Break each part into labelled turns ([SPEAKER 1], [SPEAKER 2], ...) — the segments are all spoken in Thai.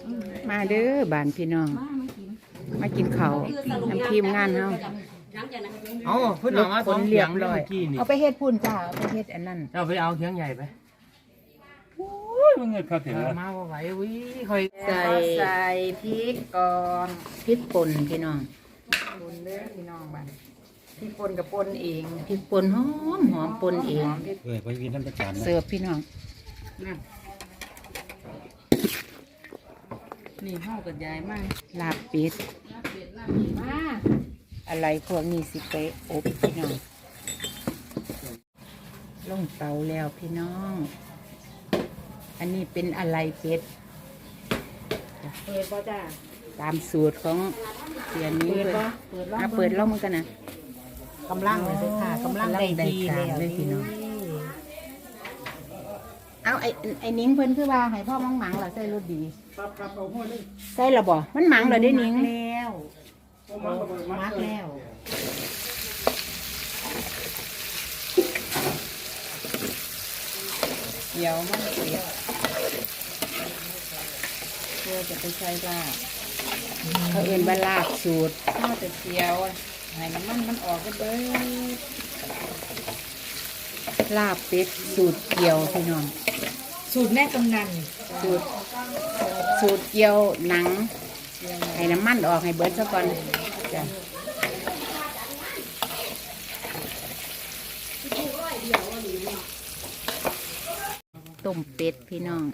[SPEAKER 1] มาเด้อบ้านพี่น้องมากินข้าวน้ำทีมงานเฮา
[SPEAKER 2] เอาเพิ่นเอามาสองเขียงเลยเมื่อกี้นี่
[SPEAKER 1] เอาไปเฮ็ดพุ่นจ้าเอาไปเฮ็ดอันนั้น
[SPEAKER 2] เอาไปเอาเขียงใหญ่ไปโอ้ยมันเงินเขาถึงมาบ่ไหววิค่อย
[SPEAKER 1] ใส่พริกก่อนพริกป่นพี่น้องป่นเด้อพี่น้องบ้านพริกป่นกับป่นเองพริกป่นหอมป่นเอง
[SPEAKER 3] ไปกินน้ำประจาน
[SPEAKER 1] เสิร์ฟพี่น้อง
[SPEAKER 4] นี่ห้ากับยายมาก
[SPEAKER 1] ลาบเป็ด
[SPEAKER 4] มา
[SPEAKER 1] อะไรพวกนี้สิไปอบพี่น้องลงเตาแล้วพี่น้อง อันนี้เป็นอะไรเป็ด
[SPEAKER 4] เปิดป่ะจ้า
[SPEAKER 1] ตามสูตรของเสียนี้เลยเปิดล่องมันกันนะ
[SPEAKER 4] กำลังเลยค่ะกำลังได้ดีแล้ว
[SPEAKER 1] เลยพี่น้องเอาไอ้นิ้งเพิ่นคือว่าให้พ่อมังหมังเหรอใส่รสดีใส่ระบ่มันหมังเหรอได้นิ้ง
[SPEAKER 4] แล้วมักแล้ว
[SPEAKER 1] เดี๋ยวมันเสียเพื่อจะไปใช้ลาบเขาเอื่นว่าลาบสูตรข้าวแต่เจียวให้น้ำมันออกก็เบิดลาบเป็ดสูตรเกียวพี่น้อง
[SPEAKER 4] สูตรแม่กำนัน
[SPEAKER 1] สูตรเกียวหนังให้น้ำมันออกให้เบิดซะก่อนจ้ะต้มเป็ดพี่น้อง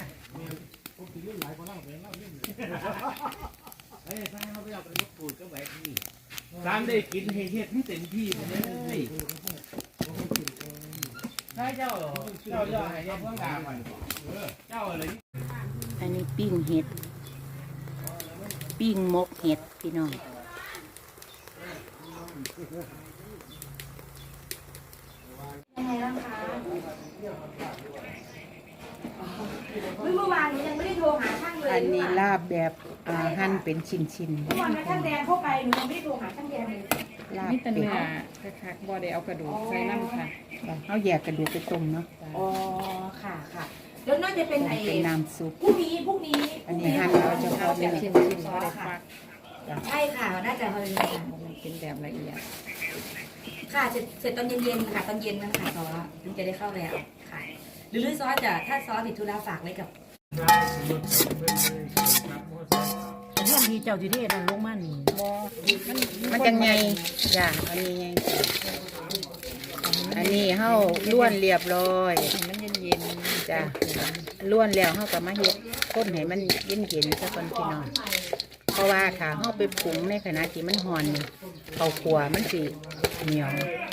[SPEAKER 2] ร้านได้กินเฮ็ดให้เต็มที่เลยใช่เจ้าให้เพิ่งด่าก่อนเจ้าอะไร
[SPEAKER 1] อันนี้ปิ้งเห็ดปิ้งมกเห็ดพี่น้อง
[SPEAKER 5] ยังไงบ้างคะเมื่อวานหนูยังไม่ได้โทรหาช่างเลย
[SPEAKER 1] อันนี้ลาบแบบหั่นเป็นชิ้น
[SPEAKER 5] เมื่อวานช่างแดงเข้าไปหนูยังไม่ได้โทรหาช่างแดงเลย
[SPEAKER 1] ๆลาบ
[SPEAKER 4] นี่แต่
[SPEAKER 1] เป็ด
[SPEAKER 4] เนื้อคักๆบ่ได้เอากระดูกใส่น้ำค่ะ
[SPEAKER 1] เขาแยกกระดูกไปต้มเนาะ
[SPEAKER 5] อ๋อค่ะค่ะแล้วน่าจะเป็นไอ้
[SPEAKER 1] เป็นน้ำซุป
[SPEAKER 5] พรุ่งนี้
[SPEAKER 1] อันนี้หั่นเอาเฉพาะเนื้อ
[SPEAKER 4] ชิ้นบ่ได้ฟัก
[SPEAKER 5] ใช่ค่ะน่าจะเลยค่ะ
[SPEAKER 4] มันเป็นแบบละเอียด
[SPEAKER 5] ค่ะเสร็จตอนเย็นๆค่ะตอนเย็นนะคะซอสมันจะได้เข้าแล้วค่ะหรือซอสจะถ้าซอสติดธุระฝากไว้กับ
[SPEAKER 4] แต่เรื่องที่เจ้าที่เทศนั่นลงมานี่บ่
[SPEAKER 1] มันจังไงจ้ะอันนี้ไงอันนี้เฮาล้วนเรียบร้อย
[SPEAKER 4] มันเย็น
[SPEAKER 1] จ้ะล้วนแล้วเฮาก็มาเฮ็ดข้นให้มันเย็นๆซะก่อนพี่น้องเพราะว่าถ้าเฮาไปปรุงในขณะที่มันร้อนนี่ข้าวคั่วมันสิเหนียว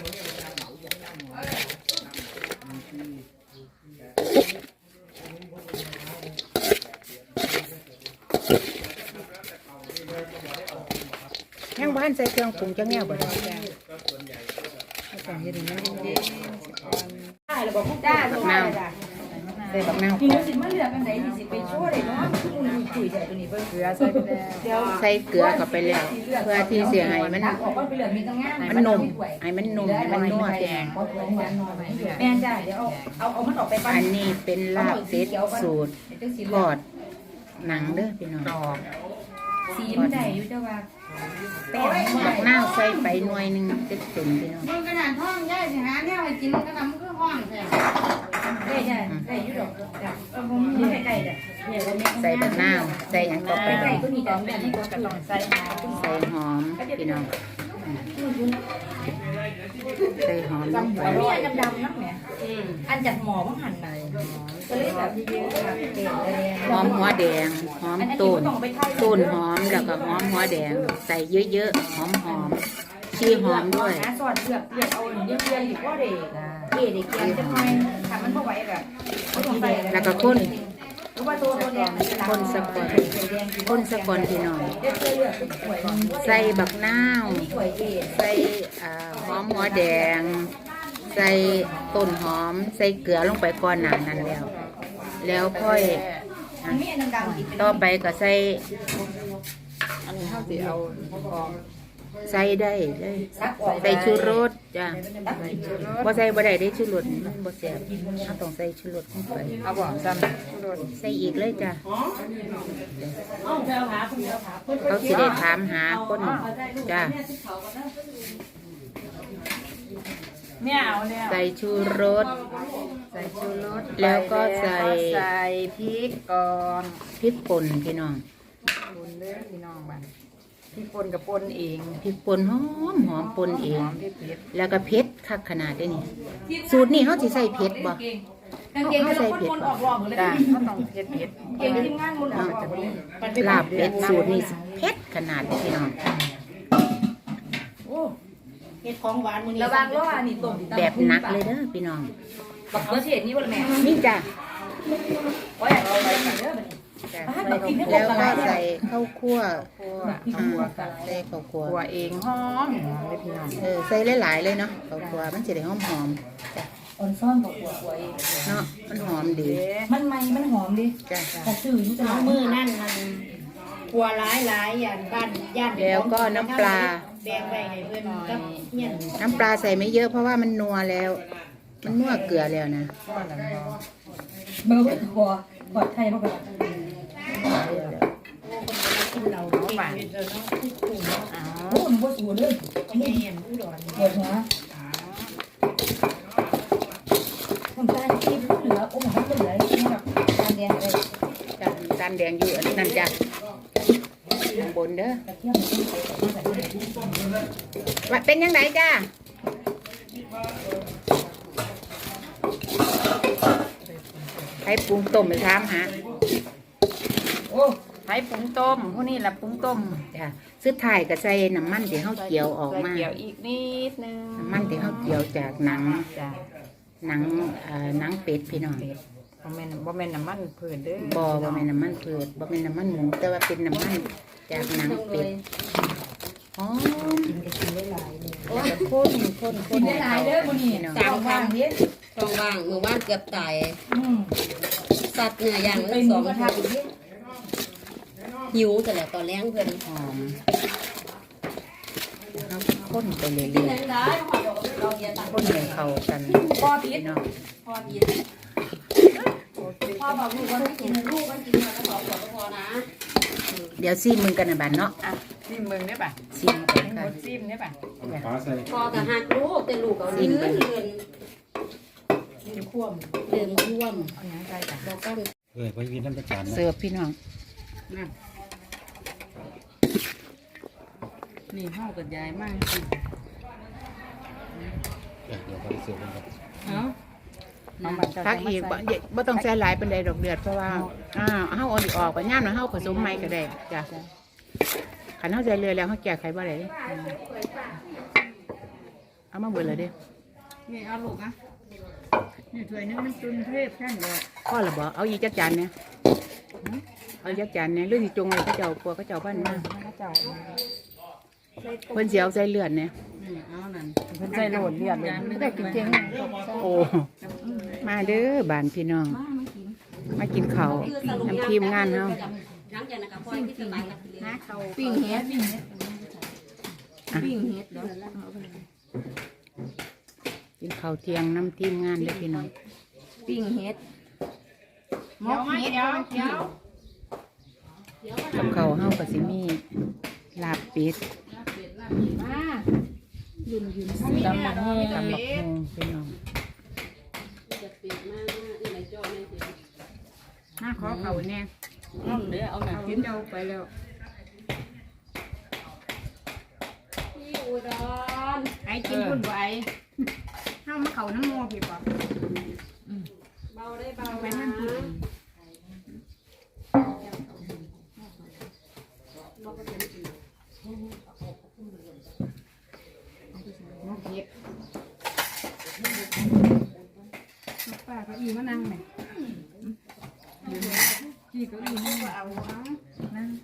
[SPEAKER 1] ยังบ้านใส่เครื่องปรุงจังแนวบ่ได้
[SPEAKER 4] ๆต้องเฮ็ดให้มันเย็นๆก่อน
[SPEAKER 5] ได้หรือบอกจ้าถูกได้จ้ะ
[SPEAKER 1] ใส่บักนาว
[SPEAKER 5] พี่สิมาเลือกกันไหนที่สิไปช่วยเลยเนาะคุยใจตัวนี้เบิ่ง
[SPEAKER 4] เกลือใส่ไปแล้ว
[SPEAKER 5] เดี๋ยว
[SPEAKER 1] ใส่เกลือเข้าไปแล้วเพื่อที่เสียให้มัน
[SPEAKER 5] ออกว่าไปเหลือมีตั้งงาน
[SPEAKER 1] ให้มันนุ่มให้มันนุ่มให้มันนัวแดง
[SPEAKER 5] แม่จ้าเดี๋ยวเอามันออกไปปั้น
[SPEAKER 1] อันนี้เป็นลาบเป็ดสูตรทอดหนังเด้อพี่น้อง
[SPEAKER 5] สีมันได้อยู่จ้าว่าแป้ง
[SPEAKER 1] บักนาวใส่ไปหน่วยหนึงเต็มพี่น้อง
[SPEAKER 4] มันขนาดท้องย่ายสิหาแนวให้กินขนาดมันคือห้องแท้
[SPEAKER 5] ได้จ้ะได้อยู่ดอกจ้ะผมไม่ใกล้ๆจ้ะเนี่ยเราไม่
[SPEAKER 1] ใส่บักนาวใส่หยังต่อไป
[SPEAKER 5] ใกล้
[SPEAKER 1] บ้าง
[SPEAKER 5] ก็มีแต่แม่นี่ก็ต้องใส่หา
[SPEAKER 1] ใส่หอมพี่น้องใส่หอมลงไป
[SPEAKER 5] มีอันดำๆนักแหมอันจากหมอว่าหั่นไปก็เลยแบบเยอะๆ
[SPEAKER 1] หอมหัวแดงหอมต้นต้นหอมแล้วก็หอมหัวแดง ใส่เยอะๆหอมชีหอมด้วย
[SPEAKER 5] นะสอดเลือกเอาเยอะๆอยู่ก็เด็กเด็กเกียนจะค่อยทำมันพอไหวแบบ
[SPEAKER 1] แล้วก็ข้น
[SPEAKER 5] หรือว่าตัวแดง
[SPEAKER 1] คนสะกอนคนสะกอนพี่น้อง
[SPEAKER 5] เลือกเลือกสวย
[SPEAKER 1] ใส่บักนาว
[SPEAKER 5] สวยเด็ก
[SPEAKER 1] ใส่หอมหัวแดง ใส่ต้นหอม ใส่เกลือลงไปก่อนหนานั้นแล้วค่อย
[SPEAKER 5] มันมีอันดำๆอีก
[SPEAKER 1] ต่อไปก็ใส่
[SPEAKER 4] อันนี้เฮาสิเอาออก
[SPEAKER 1] ใส่ได้เลย
[SPEAKER 5] ซักออก
[SPEAKER 1] ใส่ชูรสจ้ะบ่ใส่บ่ได้ได้ชูรสมันบ่แซ่บเราต้องใส่ชูรสลงไป
[SPEAKER 4] เอาบ่ซ้ำรส
[SPEAKER 1] ใส่อีกเลยจ้ะเขาสิได้ถามหาคนจ้า
[SPEAKER 4] เนี่ยเอาแล้ว
[SPEAKER 1] ใส่ชูรส
[SPEAKER 4] ใส่ชูรส
[SPEAKER 1] แล้วก็ใส่
[SPEAKER 4] ใส่พริกก่อน
[SPEAKER 1] พริกป่นพี่น้อง
[SPEAKER 4] ปนเด้อพี่น้องบ้านพริกป่นกับป่นเอง
[SPEAKER 1] พริกป่นหอมหอมป่นเอง
[SPEAKER 4] หอมเผ็ด
[SPEAKER 1] แล้วก็เผ็ดคักขนาดได้นี่สูตรนี้เขาสิใส่เผ็ดบ่
[SPEAKER 5] กางเกงก็ต้องคนออกรอบหมดเลย
[SPEAKER 4] จ้าเขาต้องเผ็ด
[SPEAKER 5] เกงทีมงานคนออกจากนี้
[SPEAKER 1] ลาบเป็ดสูตรนี้สิเผ็ดขนาดนี้พี่น้อง
[SPEAKER 5] เฮ็ดของหวานมื้อนี้ระวังล้อนี่ต้ม
[SPEAKER 1] แบบหนักเลยเด้อพี่น้อง
[SPEAKER 5] บักเขือเทศนี่บ่ล่ะแม่
[SPEAKER 1] นี่จ้ะ
[SPEAKER 5] โอ้ยเอาไปกันเด้อบัดนี้
[SPEAKER 1] จ้ะแล้วก็ใส่ข้าวคั่ว
[SPEAKER 4] คั่วเอาคั่วกัน
[SPEAKER 1] ใส่ข้าวคั่ว
[SPEAKER 4] คั่วเองหอมเลยพี่น้อง
[SPEAKER 1] ใส่หลายๆเลยเนาะข้าวคั่วมันสิได้หอม
[SPEAKER 5] อ่อนซ่อนกับหัวเอง
[SPEAKER 1] ๆเนาะมันหอมดี
[SPEAKER 5] มันใหม่มันหอมดิ
[SPEAKER 1] จ้ะ
[SPEAKER 5] แต่ซื้ออยู่ตลาดมื้อนั่นมันกลัวหลายย่านบ้านย่าน
[SPEAKER 1] แล้วก็น้ำปลา
[SPEAKER 5] แบ่งไว้ให้เพิ่นกับเฮียน
[SPEAKER 1] น้ำปลาใส่ไม่เยอะเพราะว่ามันนัวแล้ว มันนัวเกลือแล้วนะ
[SPEAKER 4] คั่วแล้วก็
[SPEAKER 5] เบอร์ไว้กว่าปลอดภัยบ่ก็
[SPEAKER 4] เราบ้าน
[SPEAKER 5] โอ้มันบ่สูเลยแม่นอุดรเดี๋ยวนะคนตายที่เหลือโอ้มันเหลือนี่แบบการเรียนเลย
[SPEAKER 1] จ้ะจานแดงอยู่อันนั่นจ้ะข้างบนเด้อว่าเป็นยังไงจ้าให้ปรุงต้มไปถามหา
[SPEAKER 4] โอ้ไผ่ปรุงต้มพวกนี้แหละปรุงต้ม
[SPEAKER 1] จ้ะสุดท้ายก็ใส่น้ำมันที่เฮาเกี่ยวออก
[SPEAKER 4] ใส่
[SPEAKER 1] มา
[SPEAKER 4] เกี่ยวอีกนิดนึง
[SPEAKER 1] น้ำมันที่เฮาเกี่ยวจากหนัง
[SPEAKER 4] จ้ะ
[SPEAKER 1] หนังเป็ดพี่น้อง
[SPEAKER 4] บ่แม่นน้ำมันพืชเด้อ
[SPEAKER 1] บ่แม่นน้ำมันพืชบ่แม่นน้ำมันหมูแต่ว่าเป็นน้ำมันจากหนังเป็ดอ๋อ
[SPEAKER 5] กินก็กินได้หลายเลย
[SPEAKER 1] แล้วก็ข้น
[SPEAKER 5] กินได้หลายเด้อมื้อนี้
[SPEAKER 1] น้อง
[SPEAKER 5] สามว่างเด้
[SPEAKER 3] ต้องว่างมือว่างเกือบตาย สัตว์เนื้อย่าง
[SPEAKER 5] ไป
[SPEAKER 3] ละ
[SPEAKER 5] ห
[SPEAKER 3] ส
[SPEAKER 5] มู
[SPEAKER 3] อง
[SPEAKER 5] กระทะอีกเด้
[SPEAKER 3] หิวแต่แล้วตอนแรงเพิ่น
[SPEAKER 1] หอมเอาข้นไปเรื่อย
[SPEAKER 5] กินได้เราเรียนต่าง
[SPEAKER 1] ๆข้นให้เข้ากัน
[SPEAKER 5] พ่อผิด
[SPEAKER 1] พี่น้อง
[SPEAKER 5] พ่อผิดพ่อบอกลูกว่าไม่กินลูกมันกินมาแล้วสองขวดก็พอนะ
[SPEAKER 1] เดี๋ยวซีมึงกันนะบัดเนาะ
[SPEAKER 4] อ่ะซิมเบิ่งได้ป่ะ
[SPEAKER 1] ซีมกัน
[SPEAKER 4] ให้หม
[SPEAKER 1] ค่ะ
[SPEAKER 4] ดซิมได้ป่ะ
[SPEAKER 2] ฟ้าใส่
[SPEAKER 3] พอกับหักลูกแต่ลูกเอาเลื่อนเลื่อน
[SPEAKER 5] กินควม
[SPEAKER 3] เดินท่วม
[SPEAKER 4] เอาหยังใส่จ้ะ
[SPEAKER 3] บอกกัน
[SPEAKER 2] ไปวินน้ำประจานนะ
[SPEAKER 1] เสิร์ฟพี่น้อง
[SPEAKER 4] นี่เฮากับยายมากสิ
[SPEAKER 2] เดี๋ยวไปเสิร์ฟกันครับ
[SPEAKER 4] เอ้าเอาบัตรเจ้า
[SPEAKER 1] พัก
[SPEAKER 4] จังมา
[SPEAKER 1] อีก
[SPEAKER 4] ใส่
[SPEAKER 1] บ่ต้องใส่หลายเป็นใดดอกเดือดเพราะว่าเฮาเอาอีกออกไปย่ามนะเฮาผสมใหม่ก็ได้จ้ะขันเฮาใส่เรือแล้วเฮาแก้ไขบ่ได้เด้เอามาเบิดเลยเด้
[SPEAKER 4] นี่เอาลูกนะนี่ถ้วยนึงมันจุนเทพแค่นี้
[SPEAKER 1] พ่อละบ่เอาอีกจักจานเนี่ยเอาอีกจักจานเนี่ยหรือสิจงไว้เขาเจ้ากลัวเขาเจ้าบ้านมา
[SPEAKER 4] พระเจ้า
[SPEAKER 1] เพิ่นสิเอาใส่เลือดเนี่ย
[SPEAKER 4] เอานั่นเพิ่นใส่โหลดเลือดเลยไม่ได้กินเจง
[SPEAKER 1] โอ้มาเด้อบ้านพี่น้องมากินข้าวน้ำทีมงานเฮา
[SPEAKER 3] หลังจากนั้นก็พอที่สบายกันเลยนะเขา
[SPEAKER 4] ปิ้งเฮ็ดปิ้งเฮ็ดปิ้งเฮ็ดเด้อ
[SPEAKER 1] กินข้าวเที่ยงน้ำทีมงานเด้อพี่น้อง
[SPEAKER 4] ปิ้งเฮ็ดหมกเฮ็ดเดี๋ยว
[SPEAKER 1] กับข้าวเฮาก็สิมีลาบเป็ด
[SPEAKER 4] ตำบักหุ่ง
[SPEAKER 1] ตำบักหุ่งพี่น้อง
[SPEAKER 4] น่าขอเขาแน่เอาเด้อเอาหน่ะกินเจ้าไปแล้ว
[SPEAKER 3] ที่อุดร
[SPEAKER 4] ไอ้กินพุ่นบ่ไอ้เฮามาเข้าน้ำโมพี่ป่ะ
[SPEAKER 3] เบาได้เบา
[SPEAKER 4] ไป
[SPEAKER 3] นะ
[SPEAKER 4] นั่นพุ่นหมกเฮ็ดป้าก็อีมานั่งแม่พี่ก็อีนั่งเอานั่ง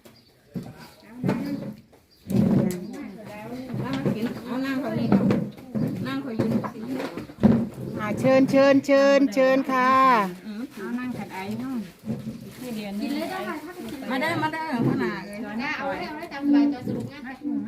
[SPEAKER 4] กินเอานั่งเขานี่นั่งเขายืน
[SPEAKER 1] เชิญค่ะ
[SPEAKER 4] เอานั่งขัดไอ้ห้องที่เรียนนี่มาได้ขนาดเลยเอาได้จำไว้ตัวสรุปงานให้คุณไหม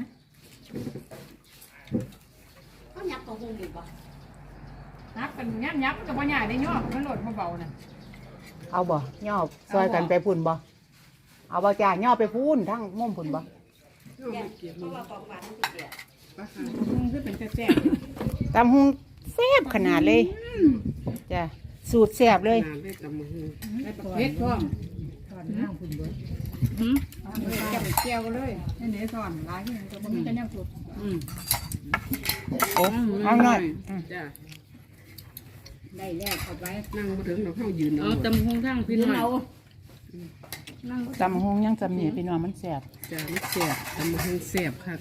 [SPEAKER 3] เขายักตัวคงดีป่ะ
[SPEAKER 4] นับกันยับกับปัญญาได้ย่อมันโหลดเบาๆน่ะ
[SPEAKER 1] เอาบ่ย่อซอยกันไปพุ่นบ่เอาบ่จ้าย่อไปพูนทั้งมุมพุ่นบ่
[SPEAKER 5] เพราะว่าของหวานมันสิเสีย
[SPEAKER 4] คือเป็นแซ่บ
[SPEAKER 1] ตำหุงแซ่บขนาดเลยจ้ะสูตรแซ่บเลย
[SPEAKER 4] เฮ็ดพร้อมตอนนั่งคุณเบิดเจียวเลยนี่เดี๋ยวสอนหลายที่ก็บ่มีแต่แนวสุด
[SPEAKER 1] โอ้เอาหน่อย
[SPEAKER 6] จ้า
[SPEAKER 4] ได้แล้วเอาไว้
[SPEAKER 6] นั่งมาถึงเราเข้ายืน
[SPEAKER 3] เอาตำหงทั้งพี่น้อง
[SPEAKER 1] ตำหุงยังจำเนี่ยพี่น้องมันแซ่บ
[SPEAKER 6] จ้าไม่เสียบทำมาให้เสียบค่ะ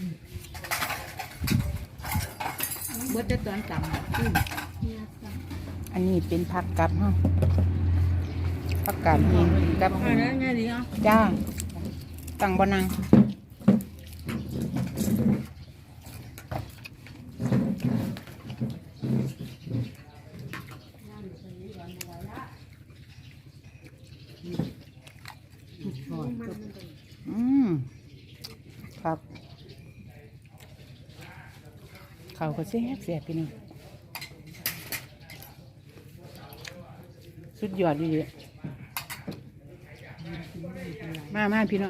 [SPEAKER 3] เบิดแต่ตอนตำ
[SPEAKER 1] อันนี้เป็นผักกับเฮาผักกาดหินกับ
[SPEAKER 3] อันนั้นไงดีอ่ะ
[SPEAKER 1] จ้าตั้งบ่นังครับเขาก็แซ่บแซ่บพี่น้องสุดยอดดีมาพี่น้อง